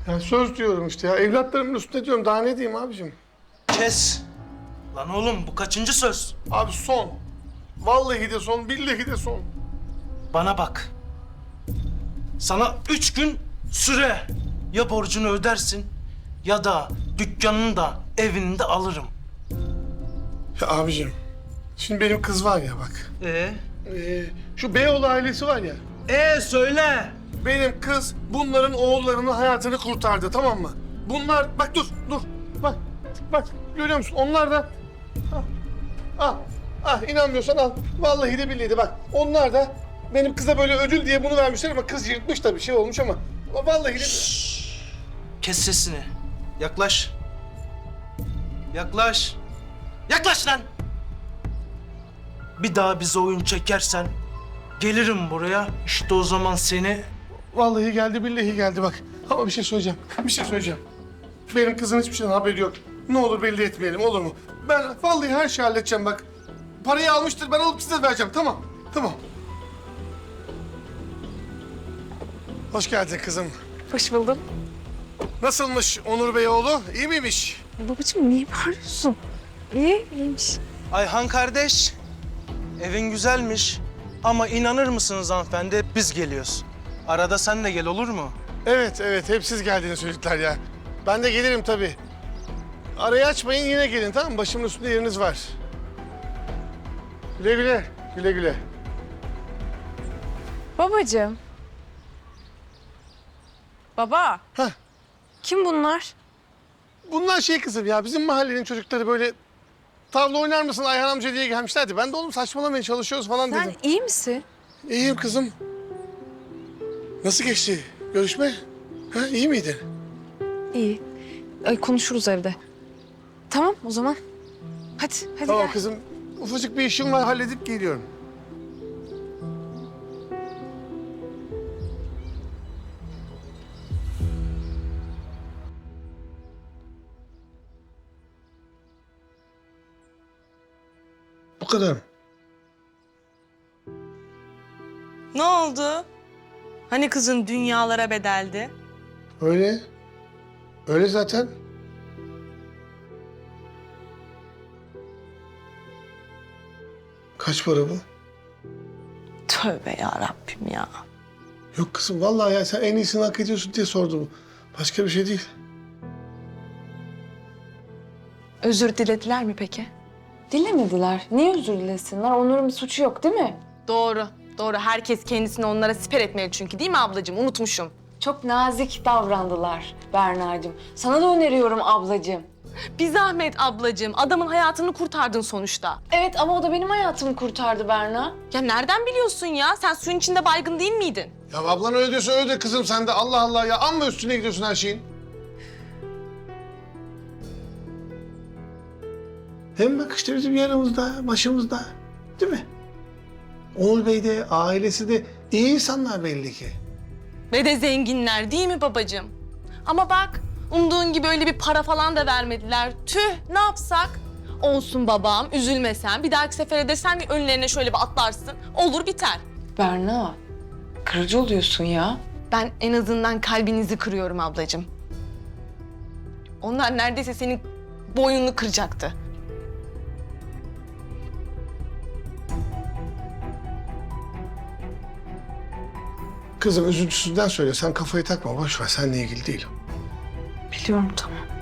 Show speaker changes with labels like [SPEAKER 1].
[SPEAKER 1] Ya söz diyorum işte ya. Evlatlarımın üstüne diyorum. Daha ne diyeyim abicim?
[SPEAKER 2] Kes. Lan oğlum bu kaçıncı söz?
[SPEAKER 1] Abi son. Vallahi de son, billahi de son.
[SPEAKER 2] Bana bak. Sana 3 gün süre. Ya borcunu ödersin ya da dükkanını da evini de alırım.
[SPEAKER 1] Ya abicim, şimdi benim kız var ya bak. Şu Beyoğlu ailesi var ya.
[SPEAKER 2] Söyle.
[SPEAKER 1] Benim kız bunların oğullarının hayatını kurtardı, tamam mı? Bunlar, bak dur. Bak, görüyor musun? Onlar da... inanmıyorsan al. Vallahi de billahi de bak. Onlar da benim kıza böyle ödül diye bunu vermişler ama kız yırtmış tabii, şey olmuş ama... Vallahi de...
[SPEAKER 2] Kes sesini. Yaklaş. Yaklaş. Yaklaş lan. Bir daha bize oyun çekersen gelirim buraya. İşte o zaman seni...
[SPEAKER 1] Vallahi geldi, billahi geldi bak. Ama bir şey söyleyeceğim. Benim kızın hiçbir şeyden haberi yok. Ne olur belli etmeyelim, olur mu? Ben vallahi her şeyi halledeceğim bak. Parayı almıştır, ben alıp size vereceğim, tamam. Hoş geldin kızım.
[SPEAKER 3] Hoş buldum.
[SPEAKER 1] Nasılmış Onur Beyoğlu? İyi miymiş?
[SPEAKER 3] Babacığım niye bağırıyorsun? İyiymiş.
[SPEAKER 2] Ayhan kardeş, evin güzelmiş. Ama inanır mısınız hanımefendi, hep biz geliyoruz. Arada sen de gel, olur mu?
[SPEAKER 1] Evet, hep siz geldiğini çocuklar ya. Ben de gelirim tabii. Arayı açmayın, yine gelin, tamam mı? Başımın üstünde yeriniz var. Güle güle.
[SPEAKER 3] Babacığım. Baba.
[SPEAKER 1] Hah.
[SPEAKER 3] Kim bunlar?
[SPEAKER 1] Bunlar şey kızım ya, bizim mahallenin çocukları böyle... Tavla oynar mısın Ayhan amca diye gelmişlerdi. Ben de oğlum saçmalamayın, çalışıyoruz falan
[SPEAKER 3] Sen
[SPEAKER 1] dedim.
[SPEAKER 3] iyi misin?
[SPEAKER 1] İyiyim kızım. Nasıl geçti görüşme? Ha, iyi miydin?
[SPEAKER 3] İyi. Ay, konuşuruz evde. Tamam o zaman. Hadi
[SPEAKER 1] Tamam
[SPEAKER 3] gel.
[SPEAKER 1] kızım. Ufacık bir işim var, halledip geliyorum. Bu kadar mı?
[SPEAKER 4] Ne oldu? Hani kızın dünyalara bedeldi?
[SPEAKER 1] Öyle. Öyle zaten. Kaç para bu?
[SPEAKER 4] Tövbe ya Rabbim ya.
[SPEAKER 1] Yok kızım, vallahi ya sen en iyisini hak ediyorsun diye sordum. Başka bir şey değil.
[SPEAKER 3] Özür dilediler mi peki? Dilemediler. Niye özür dilesinler? Onur'un bir suçu yok değil mi?
[SPEAKER 4] Doğru. Herkes kendisini onlara siper etmeli çünkü değil mi ablacığım? Unutmuşum.
[SPEAKER 3] Çok nazik davrandılar Berna'cığım. Sana da öneriyorum ablacığım.
[SPEAKER 4] Bir zahmet ablacığım. Adamın hayatını kurtardın sonuçta.
[SPEAKER 3] Evet ama o da benim hayatımı kurtardı Berna.
[SPEAKER 4] Ya nereden biliyorsun ya? Sen suyun içinde baygın değil miydin?
[SPEAKER 1] Ya ablan öyle diyorsa öyle de kızım, sen de Allah Allah ya. Amma üstüne gidiyorsun her şeyin. Hem bak işte bizim yanımızda, başımızda. Değil mi? Onur Bey de, ailesi de iyi insanlar belli ki.
[SPEAKER 4] Ve de zenginler değil mi babacığım? Ama bak umduğun gibi öyle bir para falan da vermediler. Tüh, ne yapsak? Olsun babam, üzülme sen. Bir dahaki sefere de sen önlerine şöyle bir atlarsın. Olur biter.
[SPEAKER 3] Berna, kırıcı oluyorsun ya.
[SPEAKER 4] Ben en azından kalbinizi kırıyorum ablacığım. Onlar neredeyse senin boynunu kıracaktı.
[SPEAKER 1] Kızım üzüntüsünden söyle, sen kafayı takma, boş ver, seninle ilgili değil.
[SPEAKER 3] Biliyorum tamam.